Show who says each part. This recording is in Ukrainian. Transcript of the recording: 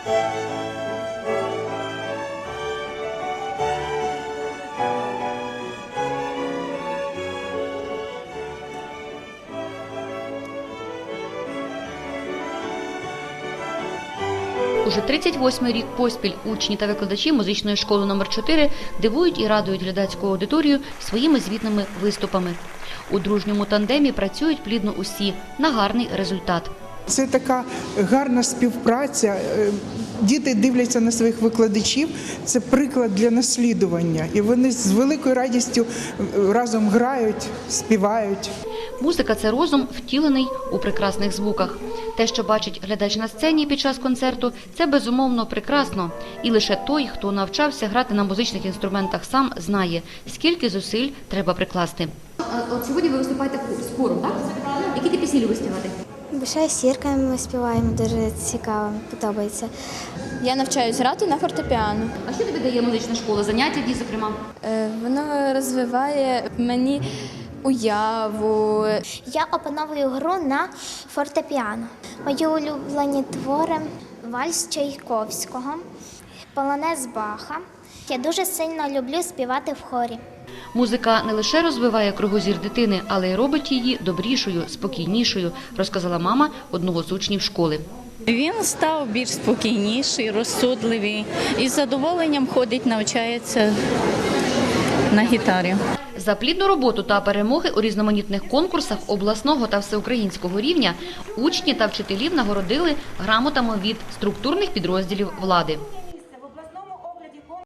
Speaker 1: Уже 38-й рік поспіль учні та викладачі музичної школи номер 4 дивують і радують глядацьку аудиторію своїми звітними виступами. У дружньому тандемі працюють плідно усі на гарний результат.
Speaker 2: Це така гарна співпраця. Діти дивляться на своїх викладачів, це приклад для наслідування. І вони з великою радістю разом грають, співають.
Speaker 1: Музика – це розум, втілений у прекрасних звуках. Те, що бачить глядач на сцені під час концерту, це безумовно прекрасно. І лише той, хто навчався грати на музичних інструментах сам, знає, скільки зусиль треба прикласти.
Speaker 3: От сьогодні ви виступаєте з хором, так? Які ти пісні любиш співати?
Speaker 4: Бушає зірка, ми співаємо, дуже цікаво, подобається.
Speaker 5: Я навчаюсь грати на фортепіано.
Speaker 1: А що тобі дає музична школа? Заняття, зокрема?
Speaker 5: Воно розвиває мені уяву.
Speaker 4: Я опановую гру на фортепіано. Мої улюблені твори – вальс Чайковського, полонез Баха. Я дуже сильно люблю співати в хорі.
Speaker 1: Музика не лише розвиває кругозір дитини, але й робить її добрішою, спокійнішою, розказала мама одного з учнів школи.
Speaker 6: Він став більш спокійніший, розсудливий і з задоволенням ходить, навчається на гітарі.
Speaker 1: За плідну роботу та перемоги у різноманітних конкурсах обласного та всеукраїнського рівня учні та вчителів нагородили грамотами від структурних підрозділів влади.